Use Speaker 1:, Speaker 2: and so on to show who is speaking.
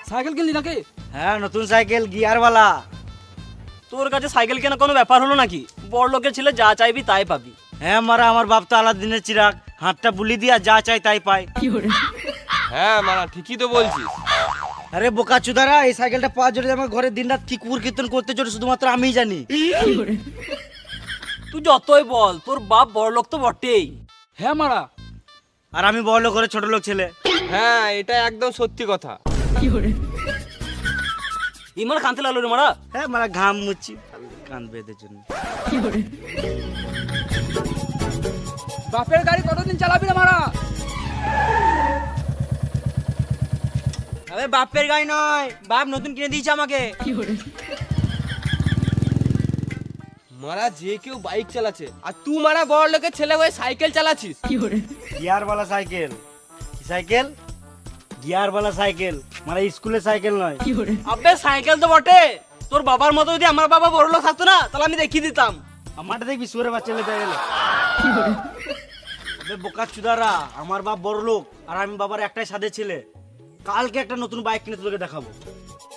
Speaker 1: Cycle কিনলি নাকি?
Speaker 2: হ্যাঁ নতুন সাইকেল গিয়ারওয়ালা।
Speaker 3: তোর কাছে সাইকেল কেনা কোনো ব্যাপার হলো নাকি? বড় লোকের ছেলে যা চাইবি তাই পাবি।
Speaker 2: হ্যাঁ মারা, আমার বাপ তো আলাদিনের চিরাগ, হাতটা বুলি দিয়া যা চাই তাই পায়।
Speaker 4: হ্যাঁ মারা ঠিকই তো বলছিস।
Speaker 2: আরে বোকা চুদারা, এই সাইকেলটা পাওয়ার জন্য আমার ঘরে দিনরাত কি কুকুর কীর্তন করতে চলে শুধুমাত্র আমিই জানি।
Speaker 3: তুই যতই বল তোর বাপ বড় লোক তো বটেই।
Speaker 1: হ্যাঁ মারা।
Speaker 2: আর আমি বড় লোক ঘরে ছোট লোক ছেলে।
Speaker 4: হ্যাঁ এটা একদম সত্যি কথা।
Speaker 3: ইমার কানতে লাগলো রে মারা।
Speaker 2: হ্যাঁ মারা, ঘাম মুচ্ছি কান বেঁধে জন্য।
Speaker 1: বাপের গাড়ি কতদিন চালাবি না মারা?
Speaker 2: আরে বাপের গাড়ি নয়, বাপ নতুন কিনে দিয়েছে আমাকে।
Speaker 4: মারা যে কেউ বাইক চালাচ্ছে আর তুই মারা বড় লোকের ছেলে হয়ে সাইকেল চালাচ্ছিস।
Speaker 2: গিয়ারওয়ালা সাইকেল। কি সাইকেল? গিয়ারওয়ালা সাইকেল, মানে স্কুলের সাইকেল নয়।
Speaker 3: আবে সাইকেল তো বটে, তোর বাবার মতো যদি আমার বাবা বড় লোক থাকতো না তাহলে আমি দেখিয়ে দিতাম।
Speaker 2: আমারটা দেখবি সুরে বাচ্চা লেতে গেলে। আবে বোকা চুদারা, আমার বাপ বড় লোক আর আমি বাবার একটাই সাদে ছেলে। কালকে একটা নতুন বাইক কিনে তোকে দেখাবো।